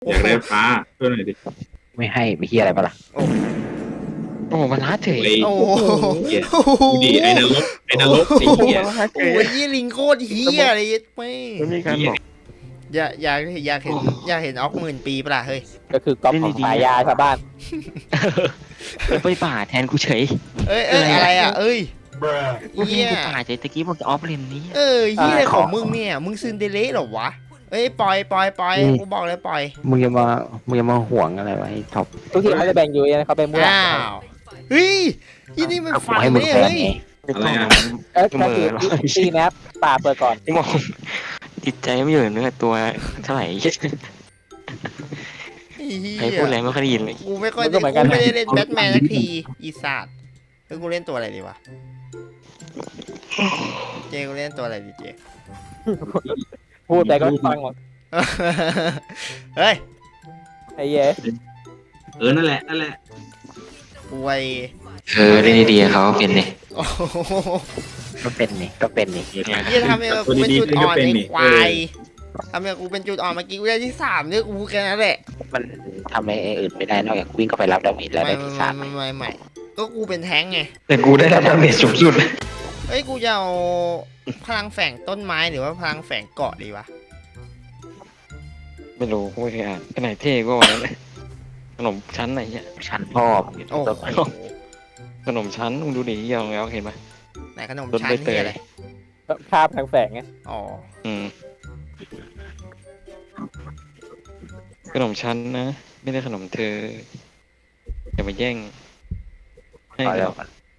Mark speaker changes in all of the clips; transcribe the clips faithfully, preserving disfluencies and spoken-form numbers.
Speaker 1: อยากได้ฟ้าช่วยหน่อยดิ
Speaker 2: ไม่ให้ไม่เฮียอะไรปะล่ะ
Speaker 3: โอ้
Speaker 4: โอ้โหมันล้าเฉย
Speaker 1: ไอ้
Speaker 3: โอ้โห
Speaker 1: เหี้ยดูดิไอ้นรกไอ้นรกไอ้เหี้ย
Speaker 4: มันล้าเฉ
Speaker 3: โอ้
Speaker 4: ย
Speaker 3: ยยี่ลิงโคตรเฮียเลยไม่
Speaker 4: มันมีการบอก
Speaker 3: อยากอยากอยากเห็นอยากเห็นออกหมื่นปีปะล่ะเฮ้ย
Speaker 2: ก็คือก๊อปของฉายาชาวบ้าน
Speaker 4: ไปป่าแทนกูเฉย
Speaker 3: เอ้ยเอ้ยอะไรอ่ะเอ้ย
Speaker 4: กูเห็
Speaker 3: เฮี
Speaker 4: น
Speaker 3: ย
Speaker 4: กูป่าเฉยตะกี้บอกจะออฟเลนนี้
Speaker 3: เออเฮียอะไรของมึงเนี่ยมึงซึนเดเล่เหรอวะเอ้ยปล่อยปล่อยปล่อยกูบอกเลยปล่อย
Speaker 2: มึงจะมามึงจะมาห่วงอะไรวะไอ้ท็อปทุกทีเขาจะแบ่งอยู่นะเขาเป็นผู้หลัก
Speaker 3: อ้าวเฮ้ยยี่นี่มัน
Speaker 2: เอา
Speaker 3: ฟัน
Speaker 2: ให้มึง
Speaker 3: เนี่ย
Speaker 2: แพ้
Speaker 3: เฮ้ย
Speaker 2: ไง
Speaker 1: อะไรอ่ะ
Speaker 2: เอ้ยก็คือตีแมปป่าเปิดก่อน
Speaker 4: ที่มองจิตใจไม่อยู่เนื้อตัวเท่าไหร่
Speaker 3: เฮี
Speaker 4: ใคร
Speaker 3: ย
Speaker 4: พูดอะไรไม่ค่อยได้ยินเลย
Speaker 3: กูไม่ค่อยได้กูไม่ได้เล่นแบทแมนสักทีอีสัตว์เฮ้ยกูเล่นตัวอะไรดีวะเจกูเล่นตัวอะไรดีเจ
Speaker 2: พูดไปก็ฟังหมด
Speaker 3: เฮ้ย
Speaker 2: ไอ้เย้
Speaker 1: เออนั่นแหละนั่นแหละ
Speaker 3: อวย
Speaker 4: เออเล่นดีๆเขาเป็นเนี่ย
Speaker 3: โอ้โห
Speaker 2: ก็เป็นนี่ก็เป็นนี่
Speaker 3: เฮียทำให้กูเป็นจุดอ่อนไอ้ควายทำให้กูเป็นจุดอ่อนเมื่อกี้กูได้ที่สามเนี่ยกูพูดแค่นั้นแหละ
Speaker 2: มันทำอะไรอื่นไม่ได้นอกจากวิ่งเข้าไปรับดาเมจแล้ว
Speaker 3: ไม่
Speaker 2: ได้
Speaker 3: ไม่
Speaker 2: ที่สาม
Speaker 3: ไม่ไม่ไม่ก็กูเป็นแท้งไง
Speaker 4: แต่กูได้รับดาเมจสูงสุด
Speaker 3: เฮ้ยกูจะเอาพลังแฝงต้นไม้หรือว่าพลังแฝงเกาะดีวะ
Speaker 4: ไม่รู้กูไม่เคยอ่านขนาดเท่ก็วันนั้นเลยขนมชั้นไหนเนี่ย
Speaker 2: ชั้นพ่อ
Speaker 3: โอ้
Speaker 2: ต้น
Speaker 3: โห
Speaker 4: ขนมชั้นมึงดูดิยังแล้วเห็นไหม
Speaker 3: ไหนขนม
Speaker 4: ต้น
Speaker 3: ชั้
Speaker 4: ใบ
Speaker 3: น
Speaker 4: เต
Speaker 3: นี่
Speaker 4: ย
Speaker 3: อะไร
Speaker 2: ภาพทางแฝงไง
Speaker 3: อ๋อ
Speaker 4: อืมขนมชั้นนะไม่ได้ขนมเธออย่ามาแย่งให้
Speaker 2: พอแล้
Speaker 4: เรา
Speaker 2: ว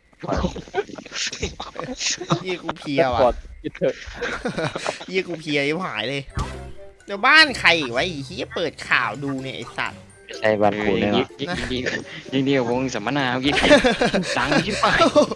Speaker 3: ยี่กูเพลีย
Speaker 2: ก
Speaker 3: ว่ะ
Speaker 2: ดยึดเถอะ
Speaker 3: ยี่กูเพลียยิ่หายเลยเดี๋ยวบ้านใครอีกวะไอ้เฮียเปิดข่าวดูเนี่ยไอ้สัตว์
Speaker 2: ไม่ใช่บ้านกูแน่นอน
Speaker 4: ยิ่งยิ่งยิ่งยิ่งเดียววงสัมมนาเมื่อกี้ดังชิบหาย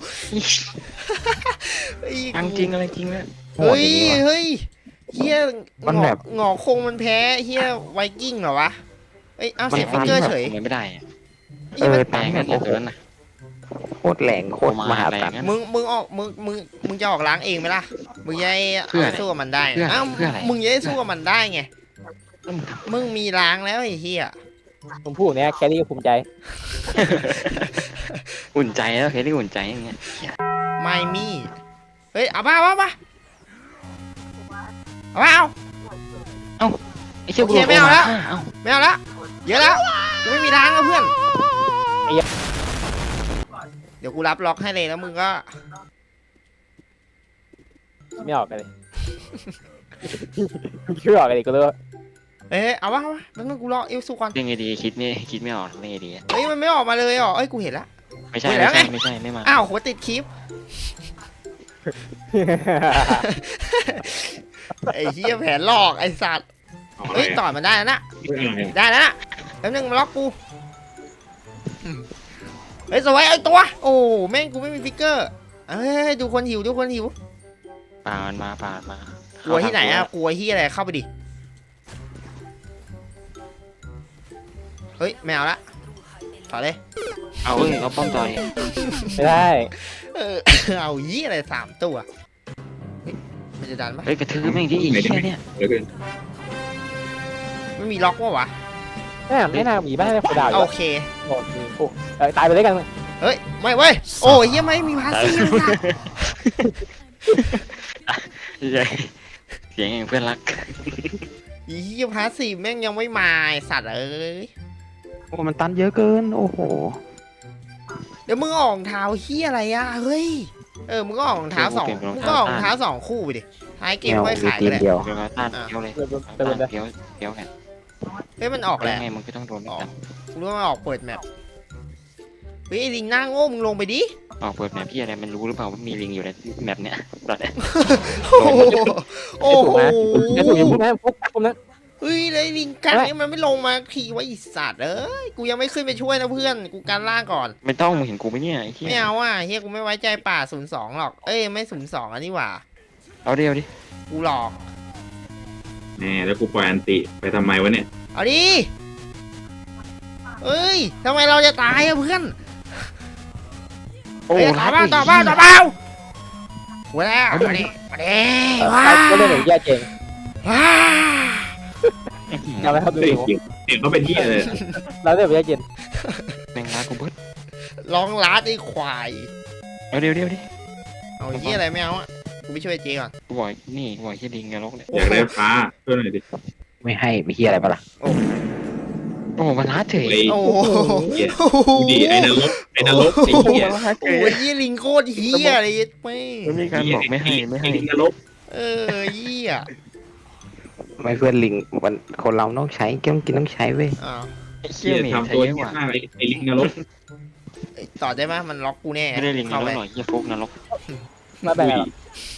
Speaker 3: เฮ้ย
Speaker 4: ดังจริงอะไรจริงเนี่ย
Speaker 2: โหด
Speaker 3: เฮ้ย
Speaker 2: อย่างนี้วะ
Speaker 3: เฮ้ยเฮีย
Speaker 2: มัน
Speaker 3: หง
Speaker 2: แบ
Speaker 3: อบ หงอคงมันแพ้เฮียไวกิ้งเหรอวะเอ้ยเอาเสียฟิกเกอร์เฉย
Speaker 4: มันไม่ได้
Speaker 2: เออ
Speaker 4: แปลงกันตัวนั้นนะ
Speaker 2: โคตรแรงโคตรมหาศาล
Speaker 3: มึงมึงออกมึงมึงมึงจะออกล้างเองไหมล่ะมึงจะได้
Speaker 4: เพื่อ
Speaker 3: เอา
Speaker 4: อะไร
Speaker 3: สู้กับมันได้
Speaker 4: เพื่ออะไร
Speaker 3: อ้าว
Speaker 4: เพื่ออะไร
Speaker 3: มึงจะได้สู้กับมันได้ไงมึงมีล้างแล้วไอ้เฮีย
Speaker 2: ผมพูดเนี้ยแครี่ก็ภูมิใจ
Speaker 4: อุ่นใจแล้วเคยได้อุ่นใจอย่างเงี้ย
Speaker 3: ไม่มีเฮ้ยเอาป่ะเอาป่ะเอาป่ะเอา
Speaker 4: ไอ้เชี่ย
Speaker 3: โอเคไม่เอาแล้ว
Speaker 4: เอ้า
Speaker 3: ไม่เอาละเยอะแล้วกูไม่มีล้างแล้วเพื่อน
Speaker 2: ไอ้เหี้ย
Speaker 3: เดี๋ยวกูรับล็อกให้เลยแล้วมึงก็
Speaker 2: ไม่ออกกันเลยคิดไม่ออกกันเลยกูเลย
Speaker 3: เอ้ยเอาวะเอาวะแล้วมึงกูรอเอลซูก่อน
Speaker 4: เรื่องไงดีคิดนี่คิดไม่ออกเรื่องไงดี
Speaker 3: เฮ้ยมันไม่ออกมาเลยเหรอเอ้ยกูเห็นละ
Speaker 4: ไม่ใช่
Speaker 3: เฮ้ยแล้
Speaker 4: ไม่
Speaker 3: วไง
Speaker 4: ใช่ไม่ใช่ไม่มา
Speaker 3: อ้าวหัวติดคลิปไอ้เหี้ยแผนหลอกไอ้สัตว์
Speaker 1: เอาอะไร
Speaker 3: เฮ้ยต่
Speaker 1: อ่ะ
Speaker 3: อยมันได้แล้วนะ
Speaker 1: เฮ้ยอะไรอ่ะ
Speaker 3: ได้แล้วนะแล้วนึงมาล็อกกูอืมเฮ้ยสวยไอ้ตัว โอ้แม่งกูไม่มีฟิกเกอร์เอ้ยดูคนหิวดูคนหิว
Speaker 4: ป่ามันมาป่ามันมาก
Speaker 3: ลัวที่ไหนอะกลัวที่อะไรเข้าไปดิเฮ้ยไม่เอาละต่อเลย
Speaker 4: เอาเอ้ยเอาป้อมต่อย
Speaker 2: ไม่ได้
Speaker 3: เออ เอายี่อะไรสามตัวเฮ้ยมันจะดันปะ
Speaker 4: เฮ้ยกระทืบแม่งที่อีกแค่เนี้ย
Speaker 1: เดี๋ยวกัน
Speaker 3: ไม่มีล็อกวะวะ
Speaker 2: แม่ไม่น่ามีบ้านไม่คนดาวอยู่
Speaker 3: โอเค
Speaker 2: โอ้โหเออตายไปเลยกัน
Speaker 3: เฮ้ยไม่เว้ยโอ้ยเหี้ยังไม่มีพาสซีฟเลยนะ
Speaker 4: ใช่เสียงอย่างเพื่อนรัก
Speaker 3: อีเหี้ยพาสซีฟแม่งยังไม่มาไอ้สัตว์เอ้ย
Speaker 2: โอ้มันตันเยอะเกินโอ้โห
Speaker 3: เดี๋ยวมึงออกรองเท้าเฮียอะไรอะเฮ้ยเออมึงก็ออกรองเท้าสองมึงก็ออกรองเท้าสองคู่ไปดิท้ายเกมค่อยขาย
Speaker 2: ที
Speaker 3: ก็
Speaker 2: ม
Speaker 3: ได้
Speaker 2: เดียว
Speaker 4: เดี๋ยวมาต้านเพี้ยวเลยต้านเพี้ยวเพี้ยวแหละ
Speaker 3: เฮ้ยมันออก
Speaker 4: แล้
Speaker 3: แล้ว ว
Speaker 4: ไงมันก็ต้องโดนไม่ตัด
Speaker 3: กูรู้ว่ามันออกเปิดแมปเฮ้ยไอ้ลิงหน้าโง่มึงลงไปดิ
Speaker 4: ออกเปิดแมปพี่อะไรมันรู้หรือเปล่าว่ามีลิงอยู่ในแมปเนี้ยตอนเนี้ย
Speaker 3: โอ้โหโอ้โห
Speaker 2: ไอ้ถูกยังพูดนะพวกผมนะ
Speaker 3: เฮ้ยแล้วไอ้ลิงกังนี่มันไม่ลงมาทีไว้อีสัตว์เอ้ยกูยังไม่ขึ้นไปช่วยนะเพื่อนกูกันล่างก่อน
Speaker 4: ไม่ต้องมึงเห็นกูไหมเนี่ยไอ้เหี้ย
Speaker 3: ไม่เอาอ่ะเฮียกูไม่ไว้ใจป่าศูนย์สองหรอกเอ้ยไม่ศูนย์สองอันนี้หว่า
Speaker 4: เอาเดียวดิ
Speaker 3: กูหลอก
Speaker 1: แน่แล้วกูปล่อยอันติไปทำไมวะเนี่ย
Speaker 3: เอาดิเอ้ยทำไมเราจะตายอะเพื่อน
Speaker 4: โอ้
Speaker 3: เฮ้ยต่อเปล่าต่อเปล่าต่อเปล่าหัวแล้วมาดิมาดิว้า
Speaker 2: ก็เล่นอย่างแย่เจง
Speaker 3: ว้า
Speaker 2: เอาไปครับดู
Speaker 1: เฮ้ย
Speaker 2: ดิ
Speaker 1: จริงเห็นเขาเป็นที่เลย
Speaker 2: แล้วเดี๋ยวไปเย็น
Speaker 4: แมงลากูเบิด
Speaker 3: ร้องล้าไอ้ควาย
Speaker 4: เอาเดี๋ยวเดี๋ยวดิ
Speaker 3: เอาเหี้ยอะไรไม่เอาอ่ะกูไปช่วยเจ๊ก่อน
Speaker 4: กูบอกนี่กูบอกที่ลิงนรกเนี่ย
Speaker 1: อยากได้ฟ้าช่วยหน่อยดิ
Speaker 2: ไม่ให้ไปเฮียอะไรปะล่ะ
Speaker 4: โอ้โหมันล้าเฉย
Speaker 1: ไอ้
Speaker 3: โอ้โห
Speaker 1: เหี้ยดูดิไอ้นรกไอ้นรกไอ้เหี้ย
Speaker 4: มันล้าเฉ
Speaker 3: โอ้
Speaker 4: ย
Speaker 3: ยยี่ลิงโคตรเฮียเลยไม่
Speaker 4: มันมีการบอกไม่ให้ไม่ให้
Speaker 1: อ้นรก
Speaker 3: เออเฮีย
Speaker 2: ไม่เพื่อนลิงมันคนเราต้องใช้ต้องกินต้องใช้เว้ย
Speaker 3: อ้าว
Speaker 4: ไอ้
Speaker 1: เหี้
Speaker 4: เชี่ย
Speaker 1: ย
Speaker 4: เหม็น
Speaker 1: ทำ
Speaker 4: ใช้
Speaker 1: ตัว
Speaker 4: เยอะ
Speaker 1: เหี้
Speaker 4: ก
Speaker 1: ย
Speaker 4: ว่า
Speaker 1: มากไอ้ไอ้ลิงนรก
Speaker 3: เอ้ยต่อได้ไหมมันล็อกกูแน่
Speaker 4: ไม่ได้ลิงนร
Speaker 3: เข้าก ไป
Speaker 4: หรอกเหี้ยฟุกนรก
Speaker 2: มาแบ่ง
Speaker 1: อุ้ย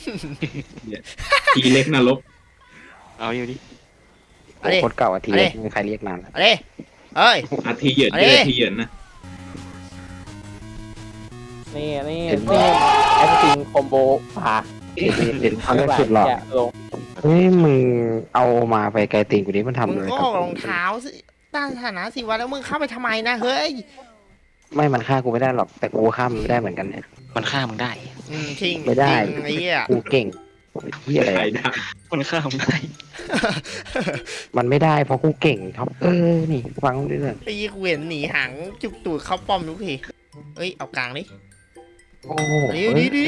Speaker 1: ทีเล็กนรก
Speaker 4: เอาอยู่ดิ
Speaker 3: เอาดิ
Speaker 2: โคตรเก่าอาที
Speaker 3: เอาดิ
Speaker 2: ไม่มีใครเรียกนานแล้ว
Speaker 3: เอาดิเอ้ย
Speaker 1: อาทีเหยิน
Speaker 3: เอาดิ
Speaker 1: เลยอาทีเหยินนะ
Speaker 2: นี่นี่นี่แอสซิงคอมโบผ่า
Speaker 1: เห็นเห็น
Speaker 2: เขาเรียกสุดหล่อลงเฮ้ยมึงเอามาไปไกลตีนกูนี้มันทำ
Speaker 3: มึง
Speaker 2: เลย
Speaker 3: ก็
Speaker 2: ค
Speaker 3: อ
Speaker 2: รั
Speaker 3: อบ กรองเท้าสิต้านฐานะสิวะแล้วมึงเข้าไปทำไมนะเฮ้ย
Speaker 2: ไม่มันฆ่ากูไม่ได้หรอกแต่กูฆ่ามันไม่ได้เหมือนกันเนี่ย
Speaker 4: มันฆ่ามึงได้
Speaker 3: อืมทิ้ง
Speaker 2: ไม่ได้
Speaker 3: ทิ้งไอ้เหี้ย
Speaker 2: กูเก่งเฮียอะไร
Speaker 1: ใคร
Speaker 2: อะ
Speaker 1: ได้
Speaker 4: มันฆ่ามึงได้
Speaker 2: มันไม่ได้เพราะกูเก่งท็อปเออนี่ฟังเรื่อง
Speaker 3: ไอ้ยี่กูเห็นหนีหางจุกตูดเข้าป้อมทุกทีเอ้ยเอากลางดิ
Speaker 2: โอ้โห
Speaker 3: ดิดิดิ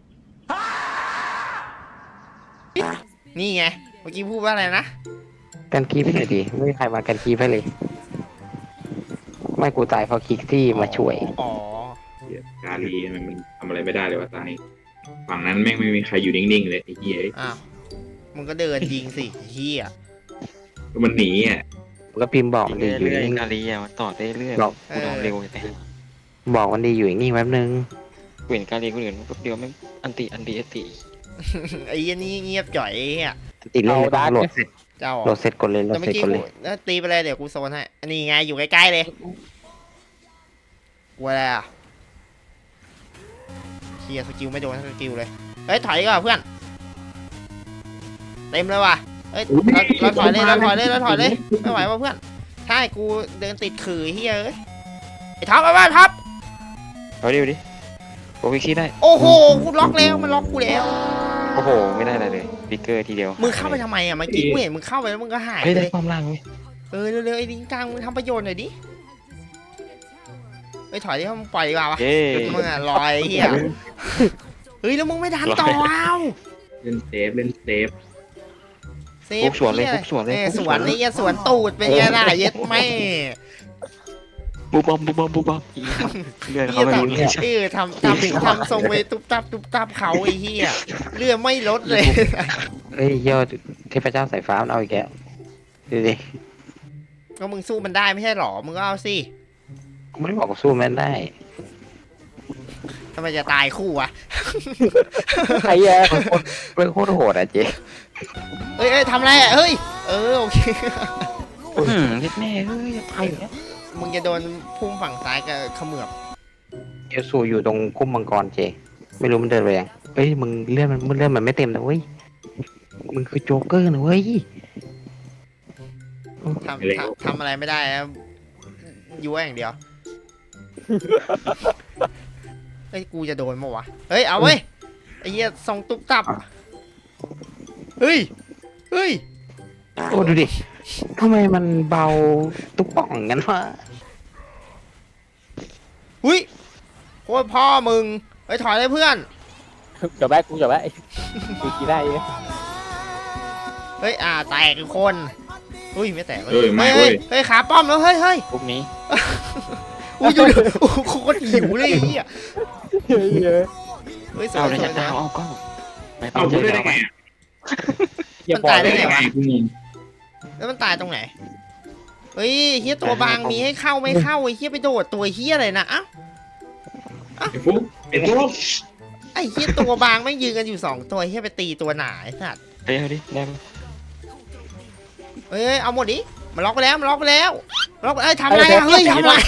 Speaker 3: นี่ไงเมื่อกี้พูดว่าอะไรนะ
Speaker 2: กันคีบให้หน่อยดิไม่มีใครมากันคีบให้เลย ไม่กูตายเพราะคิกซี่มาช่วย
Speaker 3: อ๋อ
Speaker 1: เหี้ยกาลีมันมันทำอะไรไม่ได้เลยว่าตายฝั่งนั้นแม่งไม่มีใครอยู่นิ่งๆเลยไอ้เหี้ย
Speaker 3: อ้าวมึงก็เดินยิงสิเฮีย
Speaker 1: มันหนีอ่ะ
Speaker 2: ก็พิมพ์บอกมันดีอยู่
Speaker 4: เรื่อย
Speaker 2: นิ่ง
Speaker 4: ๆกาลีอ่ะมันต่อได้เรื่อย
Speaker 2: บอก
Speaker 4: กูนอนเร็วแต่
Speaker 2: บอกมันดีอยู่นิ่งแป๊บนึง
Speaker 4: กูเห็นกาลีกูเห็นแป๊บเดียวไม่อันติอันติอันติ
Speaker 3: ไอ้ยี่นี่เงียบจ่อยไอ้เฮีย
Speaker 2: ติดเล่นเลยต้องโหลดเสร็จ
Speaker 3: เจ้า
Speaker 2: โหลดเสร็จกดเลยโหล
Speaker 3: แต่
Speaker 2: ด
Speaker 3: เมื่
Speaker 2: เสร็
Speaker 3: อ
Speaker 2: จ
Speaker 3: กี้
Speaker 2: กด
Speaker 3: กู
Speaker 2: เลย
Speaker 3: แล้วตีไปเลยเดี๋ยวกูโซนให้อันนี้ไงอยู่ใกล้ๆเลยกูอะไรอ่ะเฮียสกิลไม่โดนสกิลเลยเฮ้ยถอยก่อนเพื่อนเต็มเลยว่ะเฮ้ยเราเราถอยเลยเราถอยเลยเราถอยเลยไม่ไหวว่ะเพื่อนใช่กูเดินติดขื่อเฮียเอ้ยไอ้ท็อปไปบ้านท็อป
Speaker 4: เอาดิเอาดิโอ้วิคีได้
Speaker 3: โอ้โหกูล็อกแล้วมันล็อกกูแล้ว
Speaker 4: โอ้โหไม่ได้อะไรเลยฟิกเกอร์ทีเดียว
Speaker 3: มึงเข้าไปทำไมอ่ะเมื่อกี้กูเห็นมึงเข้าไปแล้วมึงก็หาย
Speaker 4: เฮ้ย
Speaker 3: ไป
Speaker 4: ได้
Speaker 3: เลย
Speaker 4: ความล่างเว้ย
Speaker 3: เออเร็วๆไอ้ลิงกลางมึงทำประโยชน์หน่อยดิเฮ้ยถอยดิมึงปล่อยดีกว่าวะ
Speaker 4: เย้
Speaker 3: มึงอ่ะลอยไอ้เฮียเฮ้ยแล้วมึงไม่ดันต่อเอา
Speaker 1: เล่นเซฟเล่นเซฟ
Speaker 3: เซ
Speaker 4: ฟุ
Speaker 3: ฟ
Speaker 4: กสวนเลย
Speaker 3: หี้
Speaker 4: ฟุกสวนเลย
Speaker 3: เอ้ย
Speaker 4: ฟุก
Speaker 3: สวนนี่สวนตูดเป็นไงล่ะเย็ดแม่
Speaker 4: บูบอมบูบอมบูบอมอีครับเลื่อน
Speaker 3: เฮี
Speaker 4: เข้าย มาดูเลย
Speaker 3: ทำเออทำทำทำทรงเวตุ๊บตับตุ๊บตับเขาไอ้เฮียเรือไม่ลดเลย
Speaker 2: เฮ้ยยอดเทพเจ้าสายฟ้ามันเอาอีกแล้วดูดิ
Speaker 3: ก็มึงสู้มันได้ไม่ใช่หรอมึงก็เอาสิ
Speaker 2: กูไม่ได้บอกกูสู้มันได้
Speaker 3: ทำไมจะตายคู่วะ
Speaker 2: ไอ้เหี้ยมันโคตรมันโคตรโหดอ่ะเจ๊
Speaker 3: เอ้ยเอ้ยทำอะไรอ่ะเฮ้ยเออโอเค
Speaker 4: อืมเย็ดแม่เฮ้ยจะตายอยู่แล้ว
Speaker 3: มึงจะโดนพุ่มฝั่งซ้ายกับเขมือบ
Speaker 2: เอลซูอยู่ตรงคุ้มมังกรเจ ไม่รู้มันเดินไปยังเฮ้ยมึงเลื่อนมันมึงเลื่อนมันไม่เต็มนะเว้ยมึงคือโจ๊กเกอร์นะเว้ย
Speaker 3: ทำทำทำอะไรไม่ได้นะยั่วอย่างเดียว เฮ้ยกูจะโดนมั้วะเฮ้ยเอาเว้ยไอ้เหี้ยส่งตุ๊บตับเฮ้ยเฮ้ย
Speaker 2: โอ้ดูดิทำไมมันเบาตุ๊กป่องงั้นวะ
Speaker 3: หุ้ยโคตรพ่อมึงเฮ้ยถอยเลยเพื่อน
Speaker 2: จบแรกกูจบแรกกูกี่ได้เนี่ย
Speaker 3: เฮ้ยอ่าแตกอีกคนอุ้ยไม่แตก
Speaker 1: เอ้ยไม่
Speaker 3: เฮ้
Speaker 1: เว้
Speaker 3: ย
Speaker 1: ย
Speaker 3: เฮ้ยขาป้อมแล้วเฮ้ยเฮ้ย
Speaker 4: พวกนี้
Speaker 3: อุ้ยดูดิโอ้โหโคตรหิวเลยไอ้เหี้ยเฮ้ยสว
Speaker 4: เอา
Speaker 3: ย
Speaker 4: เลย
Speaker 3: สว
Speaker 4: จะ
Speaker 3: ย
Speaker 4: ดาวเอากล้องไป
Speaker 1: เอา
Speaker 4: เจ
Speaker 1: พู
Speaker 4: อ
Speaker 1: ดได้
Speaker 4: ดาว
Speaker 1: ไง
Speaker 4: ไป
Speaker 1: อะ
Speaker 3: มันตายได้
Speaker 1: ได้
Speaker 3: ไง
Speaker 1: ไง
Speaker 3: วะ
Speaker 1: กูงง
Speaker 3: แล้วมันตายตรงไหนเฮ้ยเฮียตัวบางมีให้เข้าไม่เข้าไอ้เฮียไปโดดตัวเฮียอะไรนะอ้าว
Speaker 1: ไอ้ฟุ๊กไอ้ฟุ๊ก
Speaker 3: ไอ้เฮียตัวบางไม่งยืนกันอยู่สองตัวเฮียไปตีตัวหนาไอ้สัตว์
Speaker 4: เฮ้ยเอาดิได้ไหม
Speaker 3: เฮ้ยเอาหมดดิมันล็อกไปแล้วมันล็อกไปแล้วมันล็อกไปเอ้ยทำอะไรอะเฮ้ยทำอะไร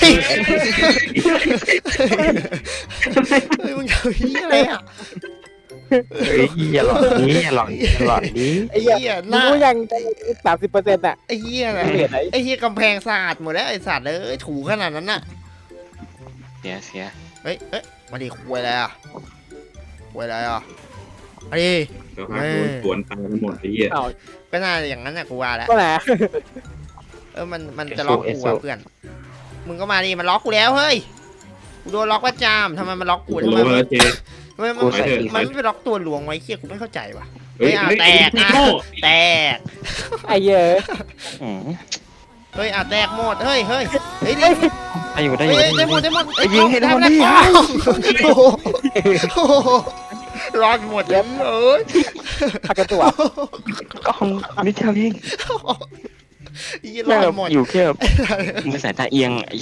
Speaker 3: เฮ้ยมึงทำเฮียอะไรอะ
Speaker 2: เฮ้ยอย่าหลอนนี้อย่าหลอนอย่าหลอนนี้
Speaker 3: ไอ้เฮียหน้า
Speaker 2: รู้ยังสามสิบเปอร์เซ็นต์อ่ะ
Speaker 3: ไอ้เฮียอะไร
Speaker 2: ไม่เห็นไหน
Speaker 3: ไอ้เฮียกำแพงสะอาดหมดแล้วไอ้สัตว์เอ้ยถูขนาดนั้นน่ะ
Speaker 4: เสียเสีย
Speaker 3: เฮ้ยเฮ้ยมาดิคุยอะไรอ่ะคุยอะไรอ่ะมาดิ
Speaker 1: เดี๋ยวพาโดนสวนตายกันหมดไอ้เหี้ย
Speaker 3: ก็น่าอย่างนั้นน่ะกูว่าแล้ว
Speaker 2: ก็แหละ
Speaker 3: เออมันมันจะล็อกกูอะเพื่อนมึงก็มาดิมันล็อกกูแล้วเฮ้ยกูโดนล็อกประจำทำไมมันล็อกกูทำ
Speaker 1: โล
Speaker 3: ไมมัน
Speaker 1: แล้วเจ
Speaker 3: ทำไมมัน
Speaker 2: กูใส่ปี
Speaker 3: มันไม่ไปล็อกตัวหลวงไว้เคียกูไม่เข้าใจว่ะ
Speaker 1: เฮ้ย
Speaker 3: เฮ้ยอ่ะ
Speaker 1: เฮ้ย
Speaker 3: แตกอ่ะ
Speaker 1: โง่
Speaker 3: แตก
Speaker 5: ไอ้เหี้ย
Speaker 4: อืม
Speaker 3: เฮ้ยอ่ะแตกหมดเฮ้ยเฮ้ยเฮ้ยดิ
Speaker 4: ได้อยู่ได้อ
Speaker 3: เฮ้
Speaker 4: ยู่
Speaker 3: ย
Speaker 4: ได้อ
Speaker 3: ได้
Speaker 4: ยู่
Speaker 3: หมดได้หมด
Speaker 2: ไอ้ยิงให้ได้หมด
Speaker 3: ได้
Speaker 2: ดิ
Speaker 3: หมดโอ้โหโอ้โหรอดหมดเลยเอ้ย
Speaker 5: พักกันตัว
Speaker 2: กล้องนิดเดียวเอง
Speaker 3: ยี่ร
Speaker 2: แม่
Speaker 3: อง ด
Speaker 2: แบบ
Speaker 3: หมด
Speaker 2: อยู่แค่แบบ
Speaker 4: มือสายตาเอียงไอ้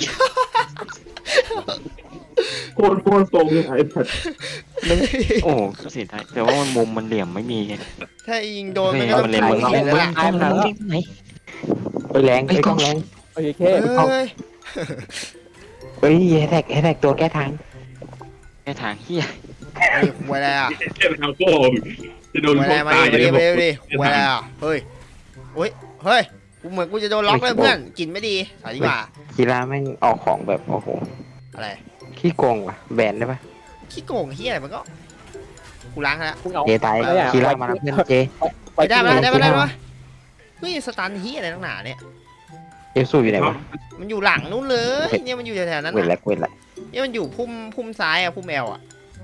Speaker 1: โคตรโคตรตรงเลยไอ้สัตว์
Speaker 4: โอ้เสียดายแต่ว่ามันมุมมันเหลี่ยมไม่มีไง
Speaker 3: ถ้ายิงโดน
Speaker 4: เฮ้
Speaker 3: มัน
Speaker 4: ย
Speaker 3: ก็ต้อ
Speaker 4: มั
Speaker 3: ง
Speaker 4: นเล็งมึง
Speaker 3: ถ่าย
Speaker 4: เล็ง
Speaker 3: แล้ว
Speaker 4: มึง
Speaker 3: ล่ะ
Speaker 5: ตายมันแล้ว
Speaker 4: ไหน
Speaker 2: ไปแรงไอ้กล้องแรง
Speaker 5: โอเค
Speaker 3: เฮ้ย
Speaker 2: เฮ้ยแฮแท็กแฮแท็กตัวแก้ทาง
Speaker 4: แค่ทางเฮีย
Speaker 3: นี่หวยอะไรอ่ะ
Speaker 1: เจ็บทางโก้จะโดน
Speaker 3: หวย
Speaker 1: พ
Speaker 3: อะ
Speaker 1: ว
Speaker 3: ไร
Speaker 1: ก
Speaker 3: มา
Speaker 1: ตาย
Speaker 3: ดิ
Speaker 1: จะ
Speaker 3: มา
Speaker 1: ได้
Speaker 3: ดิ
Speaker 1: บอก
Speaker 3: มาดิหวยอะไรอ่ะเฮ้ยโอ้ยเฮ้ยกูเหมือนกูจะโดนล็อกเลยเพื่อนกินไม่ดีสายดีกว่า
Speaker 2: กีฬาแม่งออกของแบบโอ้โห
Speaker 3: อะไร
Speaker 2: ขี้โกงว่ะแบนได้ปะ
Speaker 3: ขี้โกงเฮียอะไรมันก็กูล้างแล้ว
Speaker 5: มึงเอา
Speaker 2: เจตายกีฬามาแล้วเพื่อนเจ
Speaker 3: ไปได้ไหมได้ไหมได้ไหมเฮ้ยสตันเฮียอะไรตั้งหนาเนี่ย
Speaker 2: เอลซูอยู่ไหนวะ
Speaker 3: มันอยู่หลังนู้นเลยเนี่ยมันอยู่แถวๆนั้น
Speaker 2: เวท
Speaker 3: น่ะ
Speaker 2: แลกเวทแลก
Speaker 3: เนี่ยมันอยู่พุ่มพุ่มซ้ายอ่ะพุ่มแอลอ่ะ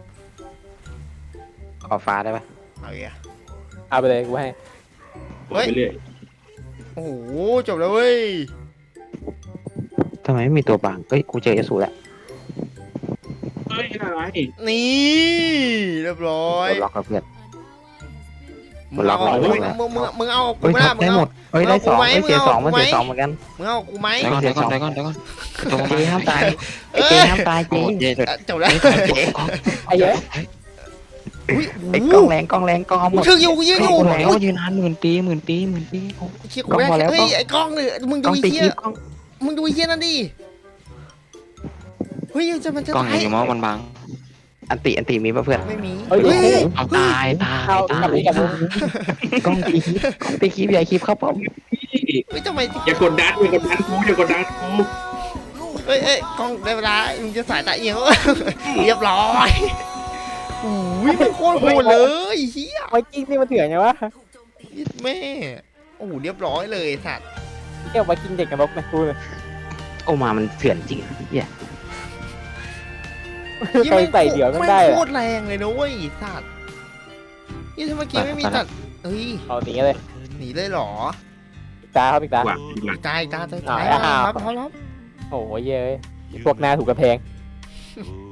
Speaker 2: ขอฟ้าได้ปะ
Speaker 3: เอาอีกอ่ะ
Speaker 5: เอาไปเลยกูให้
Speaker 1: ไปเรื่อย
Speaker 3: โอ้โหจบแล้วเว้ย
Speaker 2: ทำไมไม่มีตัวบางเอ้ยกูเจอเอลซูแล้ว
Speaker 1: เฮ้ยอะไร
Speaker 3: นี่เรียบร้อย
Speaker 2: โดนล็อกแล้วเพื่อน
Speaker 3: มึงเอา
Speaker 2: ล็อกแล้ว
Speaker 3: มึงมึงมึงเอากู
Speaker 2: เฮ้ย
Speaker 3: ไม่
Speaker 2: ท็
Speaker 3: ได้
Speaker 2: อป
Speaker 3: มึง
Speaker 2: ได้
Speaker 3: เอา
Speaker 2: หมดเฮ้ยได้สอง
Speaker 3: มึงเอา
Speaker 2: เฮ้ยเสียสอง
Speaker 3: กู
Speaker 2: มัน
Speaker 3: ไหม
Speaker 2: เสียสองเหมือนกัน
Speaker 3: มึงเอากูไหม
Speaker 4: ได้ก่อนได้ก่อนได้ก่อนได้ก่อนตรง
Speaker 2: เจห้ามตายไอ้เจห้ามตายเจ
Speaker 4: โอ้เจ๊เถอะ
Speaker 3: อ่ะจบแล้ว
Speaker 2: เจ
Speaker 5: ไอ้เหี้ย
Speaker 3: อุ้ย
Speaker 2: ไอ้กล้องแรงกล้องแรงกล้องเอาหม
Speaker 3: กู
Speaker 2: ด
Speaker 3: ชึกอยู่กูยืน
Speaker 2: ก
Speaker 3: อ
Speaker 2: ล้อง
Speaker 3: ยู่
Speaker 2: แรง
Speaker 4: ยืนนานหมื่นปีหมื่นปีหมื่นปีโอ้
Speaker 3: เชี่ยกูไม่
Speaker 2: กล้องพอแล้
Speaker 3: ได้
Speaker 2: ว
Speaker 3: เฮ้ยไอ้กล้องเลยมึง
Speaker 2: กล้
Speaker 3: ดู
Speaker 2: อง
Speaker 3: ไอ้
Speaker 2: ตี
Speaker 3: เหี้
Speaker 2: คลิ
Speaker 3: ย
Speaker 2: ปกล้อง
Speaker 3: มึงดูไอ้เหี้ยนั่นดิเฮ้ยจะมันจะ
Speaker 4: กล้อง
Speaker 3: ตาย
Speaker 4: อยู่มอมันบัง
Speaker 2: อันติอันติมีป่ะเพื่อน
Speaker 3: ไม่มี
Speaker 5: เฮ้ย
Speaker 3: เฮ้ย
Speaker 4: เอาตายตาย
Speaker 5: เอา
Speaker 4: ตาก
Speaker 5: ลับ
Speaker 4: ย
Speaker 5: นี้กลับนี้
Speaker 2: กล้องตีคลิปกล้องตีคลิปใหญ่คลิปเข้าป้อม
Speaker 3: เฮ้ยทำไม
Speaker 1: อย่ากดดันอย่ากดดันกูอย่ากดดันกู
Speaker 3: เฮ้ยเอ้ยกล้องได้เวลามึงจะสายตาเอียงแล้วเรียบร้อยโอ้ยมันโคตรโหดเลยเฮีย
Speaker 5: ไวกิ้งนี่มันเถื่อนไงวะ
Speaker 3: แม่โอ้โหเรียบร้อยเลยสัตว์
Speaker 5: เกี่ยวไวกิ้งเด็กกับนกนะกูเลย
Speaker 2: โอ้มามันเถื่อนจริงเหี้ย
Speaker 5: ใครใส่เดี๋ยวก็ได้
Speaker 3: แม่ง
Speaker 5: อะ
Speaker 3: โคตรแรงเลยนะเว้ยสัตว์นี่ถ้าเมื่อกี้ไม่มีตัดเฮ้ย
Speaker 5: เอาหนีเลย
Speaker 3: หนีเลยเหรอ
Speaker 5: ปิดตาเขาปิดตา
Speaker 1: หวังหลัง
Speaker 3: ตายตายตาย
Speaker 5: อ่า
Speaker 3: ตาย
Speaker 5: อ่า
Speaker 3: ครับพร้อมแล้ว
Speaker 5: โอ้ยเย้ยพวกหน้าถูกกระแพง